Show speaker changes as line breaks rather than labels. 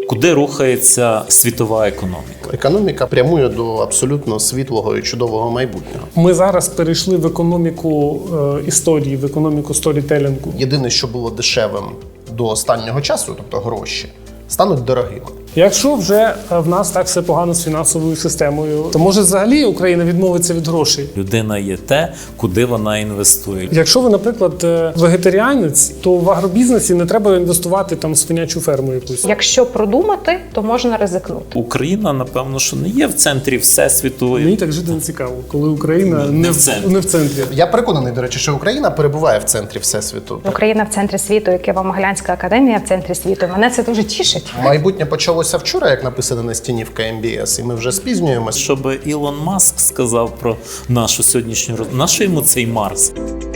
Куди рухається світова економіка?
Економіка прямує до абсолютно світлого і чудового майбутнього.
Ми зараз перейшли в економіку історії, в економіку сторітелінгу.
Єдине, що було дешевим до останнього часу, тобто гроші, стануть дорогими.
Якщо вже в нас так все погано з фінансовою системою, то може взагалі Україна відмовиться від грошей?
Людина є те, куди вона інвестує.
Якщо ви, наприклад, вегетаріанець, то в агробізнесі не треба інвестувати там в свинячу ферму якусь.
Якщо продумати, то можна ризикнути.
Україна, напевно, що не є в центрі всесвіту.
Мені так жити не цікаво, коли Україна
Не в центрі.
не в центрі.
Я переконаний, до речі, що Україна перебуває в центрі Всесвіту.
Україна в центрі світу, як Києво-Могилянська академія в центрі світу. Мене це дуже тішить.
Майбутнє почалося вчора, як написано на стіні в КМБС, і ми вже спізнюємося.
Щоб Ілон Маск сказав про нашу сьогоднішню розмову. Нащо йому цей Марс?